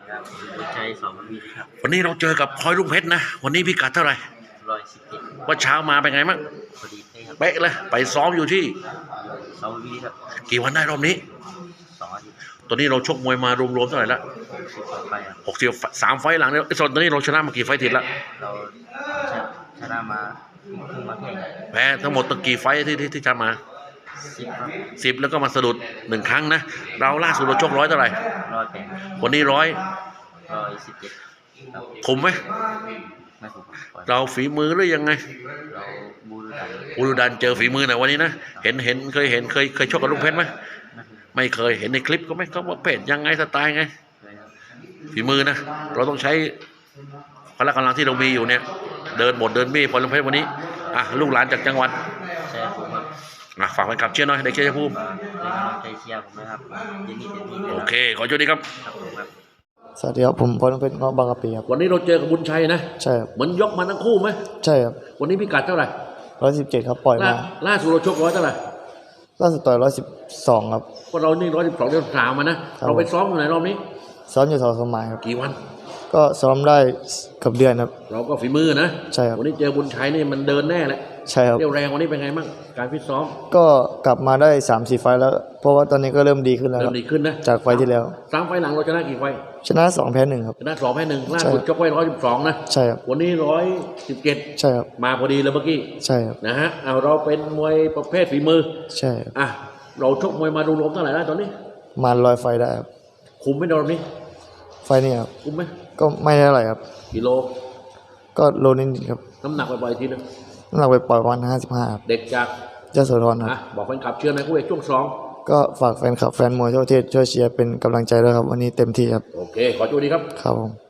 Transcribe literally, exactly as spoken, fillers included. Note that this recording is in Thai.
ครับใจสองวิครับวันนี้เราเจอกับพลอยลูกเพชรนะวันนี้พิกัดเท่าไหร่ร้อยสิบเจ็ดว่าเช้ามาเป็นไงมั่งพอดีเป๊ะครับเป๊ะเลยไปซ้อมอยู่ที่สองวิครับกี่วันได้รอบนี้สองอาทิตย์ตอนนี้เราชกมวยมารวมๆเท่าไหร่ละสิบต่อไปครับหกสิบสามไฟต์หลังเนี่ยไอ้ส่วนตอนนี้เราชนะมากี่ไฟต์ติดละเราชนะชนะมาครึ่งมาแข่งแพ้ทั้งหมดตั้งกี่ไฟต์ที่ที่ที่ชนะมาสิบครับสิบแล้วก็มาสะดุดหนึ่งครั้งนะเราล่าสุดเราชกร้อยเท่าไหร่ร้อยแปดวันนี้ร้อยร้อยสิบเจ็ดครับคุมไหมไม่ถูกครับเราฝีมือหรือยังไงเราบูรดันอุรุดันเจอฝีมือหน่อยวันนี้นะเห็นเห็นเคยเห็นเคยเคยชกกับลูกเพชรไหมไม่ถูกไม่เคยเห็นในคลิปก็ไหมเขาว่าเพชรยังไงสไตล์ไงเลยครับฝีมือนะเราต้องใช้พละกำลังที่เรามีอยู่เนี่ยเดินบทเดินมีพอลงเพชรวันนี้อ่ะลูกหลานจากจังหวัดใช่ผมครับอ่ะฝากแฟนคลับเชียร์หน่อยเด็กเชียร์ภูมิเป็นกำลังใจเชียร์ผมนะครับยินดีเต็มที่เลยโอครับเคขอโชคดีครับครับผมครับสวัสดีครับผมพลเพชรเงาะบางกะปิครับวันนี้เราเจอกับบุญชัยนะใช่ครับเหมือนยกมาทั้งคู่ไหมใช่ครับวันนี้พิกัดเท่าไหร่ร้อยสิบเจ็ดครับปล่อยล่ามาล่าสุดเราชกร้อยเท่าไหร่ล่าสุดต่อยร้อยสิบสองครับก็เรานี่ร้อยสิบสองเดือนสามมานะครับ เราไปซ้อมอยู่ไหนรอบนี้ซ้อมอยู่สองสมัยครับกี่วันก็ซ้อมได้เกับเดือนครับเราก็ฝีมือนะใช่ครับวันนี้เจอบุญชัยนี่มันเดินแน่แหละใช่ครับเรี่ยวแรงวันนี้เป็นไงบ้างการฟิตซ้อมก็กลับมาได้สามสี่ไฟล์แล้ว เพราะว่าตอนนี้ก็เริ่มดีขึ้นแล้วคเริ่รัมบดีขึ้นนะจากไฟล์ที่แล้วสามไฟล์หลังเราชนะกี่ไฟล์ชนะสองแพ้หนึ่งครับชนะสองแพ้หนึ่งล่าใช่สุดชกไว้ร้อยสิบสองนะใช่ครับวันนี้ร้อยสิบเจ็ดใช่ครับมาพอดีเลยเมื่อกี้ใช่ครับนะฮะเอาเราเป็นมวยประเภทฝีมือใช่ครับอ่ะเราชกมวยมารวมๆเท่าไหร่แล้วตอนนี้มาลอยไฟล์ได้ครับคุมไหม่โดนนี้ไฟล์นี้ครับคุมไหมก็ไม่ได้เท่าไหร่ครับกิโลก็โลนิดๆครับน้ำหนักบ่อยๆทีนึงน้ำหนักไปปล่อยประมาณห้าสิบห้าครับเด็กจากยโสธรคอ่ะรับบอกแฟนคลับเชื่อในคู่เอกช่วงสองก็ฝากแฟนคลับแฟนมวยทั่วประเทศช่วยเชียร์เป็นกำลังใจด้วยครับวันนี้เต็มที่ครับโอเค ขอโชคดีครับครับผม